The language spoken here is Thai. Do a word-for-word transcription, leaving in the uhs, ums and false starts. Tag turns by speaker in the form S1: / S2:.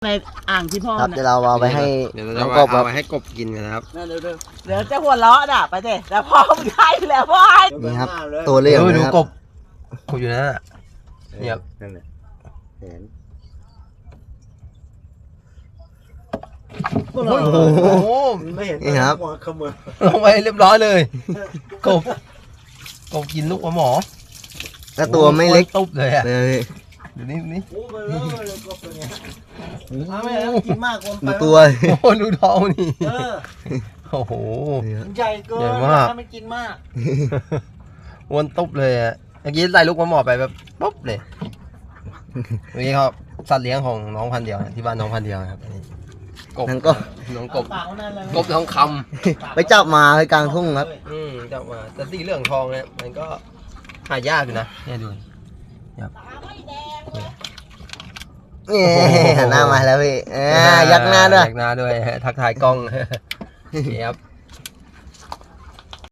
S1: ในอ่างที่พ่อ
S2: ครับ
S1: เนี่
S2: เดี๋ย
S1: ยว
S2: เราเอาไปให้
S3: เดี๋ยวเรา
S2: น้
S3: จะ
S2: อง
S3: มาก
S2: บครั
S3: เอา
S2: บ
S3: ไปให้กบกินกันนะครับ
S1: เดี๋ยวเดี๋ยวเดี๋ยวจะหัวเราะน่ะไปเด็แต่พ่อไม่ได้แล้วพ่อให้
S2: นี่ครับ ตัวเลี้ยง
S3: ดู
S2: นะครับ
S3: กบกบอยู่นั่นน่ะเนี่ย
S2: นั่นแหละเห็น
S3: โอ้โห
S4: ไม่เห็น
S2: นี่ครับ
S4: หัวขมือ
S3: ลงไปเรียบร้อยเลยกบกบกินลูกปลาหมอ
S2: ก็ตัวไม่เล็ก
S3: ตุ๊บเลยอ่ะ
S2: เลย
S3: เดี๋ยวนี้นี่
S4: โอ้เบลอเลยกบตัวเนี้ยถ้าไม่แล้วกินมากกว่าไป
S2: ดูตัว
S3: โอ้โหดูท้องนี่
S4: เออ
S3: โอ้โห
S2: นี่ครับ
S4: มันใหญ่เกิน
S3: ใหญ่มาก
S4: ถ้าไม่กินมาก
S3: อ้วนตุ๊บเลยอ่ะเมื่อกี้ใส่ลูกปลาหมอไปแบบปุ๊บเลยเมื่อกี้เขาสัตว์เลี้ยงของน้องพันเดียวนะที่บ้านน้องพันเดียวนะครับอันนี้กบ
S2: นั่นก็
S3: น้องกบ
S4: ปากนั่นเลย
S3: กบทองค
S2: ไปจับมาไปกลางทุ่งครับ
S3: ำอืมจับมาแต่สีเหลืองทองเนี่ยมันก็หายากอยู่นะเนี่ยดู
S2: นี่หันหน้ามาแล้วพี่อ่ายักหน้าด้วย
S3: ยักหน้าด้วยทักทายกล้อง ครับ